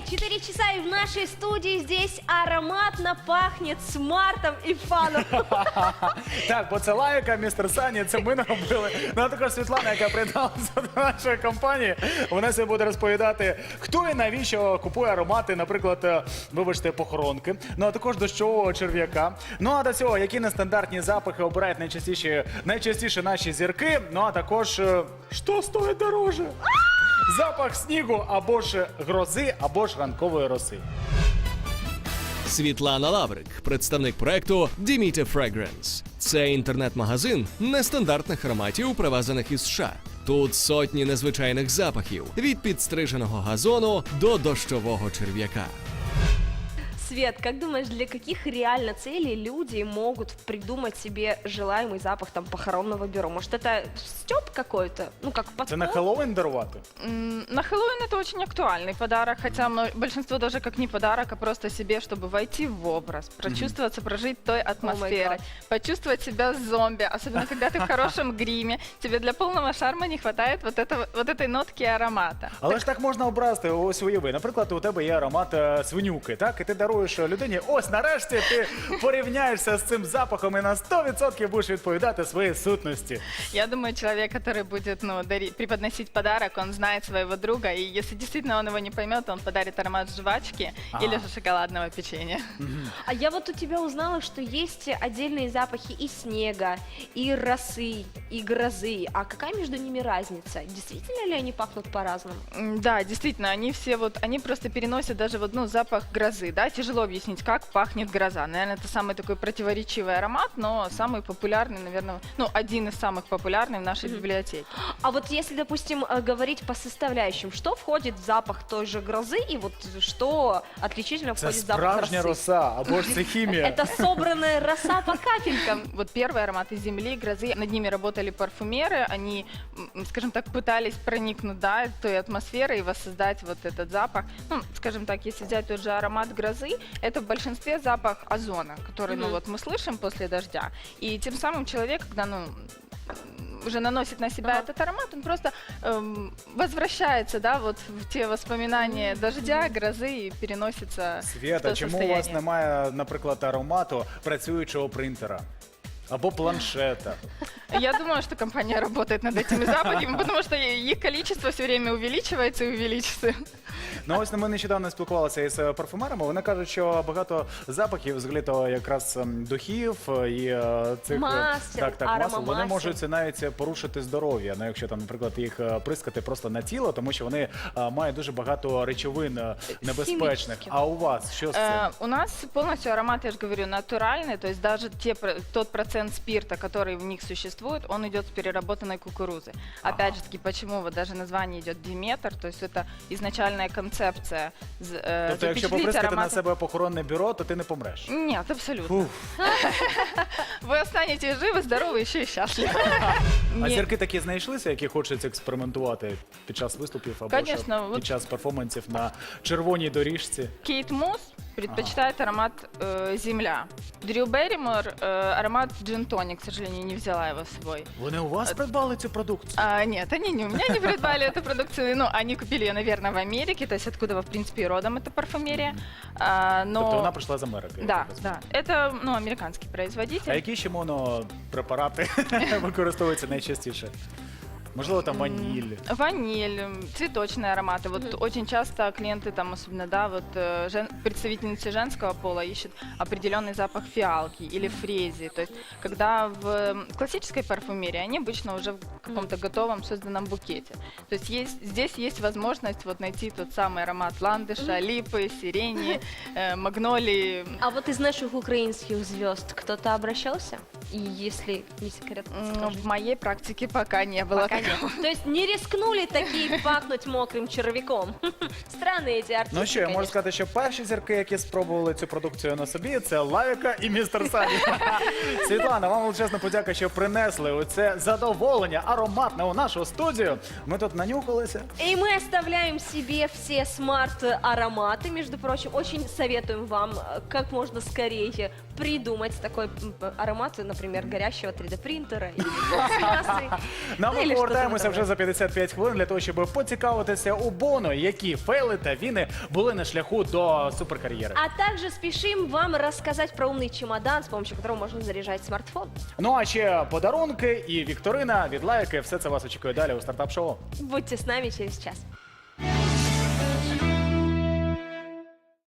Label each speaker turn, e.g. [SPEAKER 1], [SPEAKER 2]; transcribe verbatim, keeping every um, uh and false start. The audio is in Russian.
[SPEAKER 1] четыре часа, и в нашей студии здесь ароматно пахнет смартом і фаном.
[SPEAKER 2] Так, бо це Лайка, містер Сані, це ми наробили. Ну а також Світлана, яка приєдналася до нашої компанії. Вона сьогодні буде розповідати, хто і навіщо купує аромати, наприклад, вибачте, похоронки. Ну а також дощового черв'яка. Ну а до цього, які нестандартні запахи обирають найчастіше, найчастіше наші зірки. Ну а також, е, що стоїть дороже? Запах снігу або ж грози, або ж ранкової роси.
[SPEAKER 3] Світлана Лаврик, представник проекту Dimita Fragrance. Це інтернет-магазин нестандартних ароматів, привезених із США. Тут сотні незвичайних запахів – від підстриженого газону до дощового черв'яка.
[SPEAKER 1] Свет, как думаешь, для каких реально целей люди могут придумать себе желаемый запах там похоронного бюро? Может, это стёб какой-то? Ну, как подкол?
[SPEAKER 2] Це на Хеллоуін дарувати?
[SPEAKER 4] М, На Хэллоуин это очень актуальный подарок, хотя мно- большинство даже как не подарок, а просто себе, чтобы войти в образ, прочувствоваться, прожить той атмосферой,
[SPEAKER 1] God.
[SPEAKER 4] почувствовать себя зомби, особенно когда ты в хорошем гриме, тебе для полного шарма не хватает вот, этого, вот этой нотки аромата.
[SPEAKER 2] Але ж так можна образити, ось уяви. Наприклад, у тебе є аромат е, свинюки, так? І ти даруєш людині, ось нарешті ти порівняєшся з цим запахом і на сто відсотків будеш відповідати своїй сутності.
[SPEAKER 4] Я думаю, человек, который будет ну, дари- преподносить подарок, он знает своего друга, и если действительно он его не поймет, он подарит аромат жвачки
[SPEAKER 2] Ага.
[SPEAKER 4] или же шоколадного печенья.
[SPEAKER 1] А я вот у тебя узнала, что есть отдельные запахи и снега, и росы, и грозы. А какая между ними разница? Действительно ли они пахнут по-разному?
[SPEAKER 4] М, Да, действительно, они все вот, они просто переносят даже вот, ну, запах грозы, да, тяжело объяснить, как пахнет гроза. Наверное, это самый такой противоречивый аромат, но самый популярный, наверное, ну, один из самых популярных в нашей библиотеке.
[SPEAKER 1] А вот если, допустим, э, говорить по составляющим, что входит в запах той же грозы, и вот что отличительно
[SPEAKER 2] Це
[SPEAKER 1] входит в запах
[SPEAKER 2] справжня
[SPEAKER 1] росы?
[SPEAKER 2] роса, або ж це хімія.
[SPEAKER 1] Это собранная роса по капелькам.
[SPEAKER 4] Вот первые ароматы земли, грозы, над ними работали парфюмеры, они, м, скажем так, пытались проникнуть, да, той атмосферой и воссоздать вот этот запах. Ну, скажем так, если взять тот же аромат грозы, это в большинстве запах озона, который, ну,
[SPEAKER 1] Мгм.
[SPEAKER 4] вот мы слышим после дождя. И тем самым человек, когда, ну, уже наносит на себя
[SPEAKER 1] Ага.
[SPEAKER 4] этот аромат, он просто эм, возвращается, да, вот в те воспоминания дождя, грозы и переносится в
[SPEAKER 2] Свята,
[SPEAKER 4] то
[SPEAKER 2] чому у вас
[SPEAKER 4] состояние.
[SPEAKER 2] немає, наприклад, аромату працюючого принтера? Або планшета?
[SPEAKER 4] Я думаю, что компания работает над этими запахами, потому что их количество все время увеличивается и увеличится.
[SPEAKER 2] Ну ось ми нещодавно спілкувалися із е, парфумерами. Вони кажуть, що багато запахів, взагалі то якраз ем, духів е, і е, цих е,
[SPEAKER 1] Масел,
[SPEAKER 2] так, так, масел, вони
[SPEAKER 1] аромамасел.
[SPEAKER 2] можуть навіть порушити здоров'я. Ну, якщо там, наприклад, їх е, прискати просто на тіло, тому що вони е, мають дуже багато речовин е, небезпечних.
[SPEAKER 1] Хімічних.
[SPEAKER 2] А у вас що з цим?
[SPEAKER 4] Э, У нас полностью аромат, я же говорю, натуральный, то есть даже те, про- тот процент спирта, который в них существует, он идет с переработанной кукурузы. Опять же таки, почему вот даже название идет Диметр, то есть это изначальная концепция з- э,
[SPEAKER 2] Тобто, якщо
[SPEAKER 4] запечатлить
[SPEAKER 2] поприскати на
[SPEAKER 4] ароматы.
[SPEAKER 2] себе похоронне бюро, то ти не помреш.
[SPEAKER 4] Нет, абсолютно.
[SPEAKER 2] Фух.
[SPEAKER 4] Вы останетесь живы, здоровы, еще и счастливы.
[SPEAKER 2] А
[SPEAKER 4] Не-
[SPEAKER 2] зірки такі знайшлися, які хочуть експериментувати під час виступів або ж
[SPEAKER 4] Конечно,
[SPEAKER 2] під
[SPEAKER 4] вот-
[SPEAKER 2] час перформансів на червоній доріжці?
[SPEAKER 4] Кейт Мус предпочитает аромат э, земля. Дрю Берримор э, аромат джин-тоник, к сожалению, не взяла его с собой.
[SPEAKER 2] Вони у вас придбали цю продукцію?
[SPEAKER 4] А, нет, они не у меня не придбали эту продукцию. Ну, они купили ее, наверное, в Америке, то есть откуда, в принципе, и родом эта парфюмерия. А, но...
[SPEAKER 2] Тобто вона прийшла з Америки? я
[SPEAKER 4] Да,
[SPEAKER 2] так розумію.
[SPEAKER 4] да. Это, ну, американский
[SPEAKER 2] А
[SPEAKER 4] производитель.
[SPEAKER 2] які ще монопрепарати використовуються найчастіше? Можливо, там ваніль.
[SPEAKER 4] Ваниль, м, цветочные ароматы. Вот очень часто клиенты там, особенно, да, вот э, жен- представительницы женского пола ищут определенный запах фиалки или фрезии. То есть, когда в м, классической парфюмерии они обычно уже в каком-то готовом созданном букете. То есть, есть здесь есть возможность вот найти тот самый аромат ландыша, липы, сирени, э, магнолии.
[SPEAKER 1] А вот из наших украинских звезд кто-то обращался? И если не секрет,
[SPEAKER 4] М,
[SPEAKER 1] скажи.
[SPEAKER 4] В моей практике пока не было
[SPEAKER 1] Пока
[SPEAKER 4] такого.
[SPEAKER 1] нет. То есть не рискнули такие пахнуть мокрым червяком. Странные эти артисты,
[SPEAKER 2] Ну що, я можу
[SPEAKER 1] конечно.
[SPEAKER 2] сказати, що перші зірки, які спробували цю продукцію на собі, це Лавіка і містер Сані. Світлана, вам величезна подяка, що принесли оце задоволення, ароматне у нашу студію. Ми тут нанюхалися.
[SPEAKER 1] И мы оставляем себе все смарт-ароматы, между прочим. Очень советуем вам э, как можно скорее придумать такой м, аромат, например, горящего три дэ-принтера или пластмассы.
[SPEAKER 2] Ну, а
[SPEAKER 1] Ну,
[SPEAKER 2] ми
[SPEAKER 1] или
[SPEAKER 2] повертаємося
[SPEAKER 1] что-то
[SPEAKER 2] вже за п'ятдесят п'ять хвилин для того, щоб поцікавитися у Боно, які фейли та віни були на шляху до суперкар'єри.
[SPEAKER 1] А также спешим вам рассказать про умный чемодан, с помощью которого можно заряжать смартфон.
[SPEAKER 2] Ну а ще подарунки і вікторина від лайки. Все це вас очікує далі у стартап-шоу.
[SPEAKER 1] Будьте с нами через час.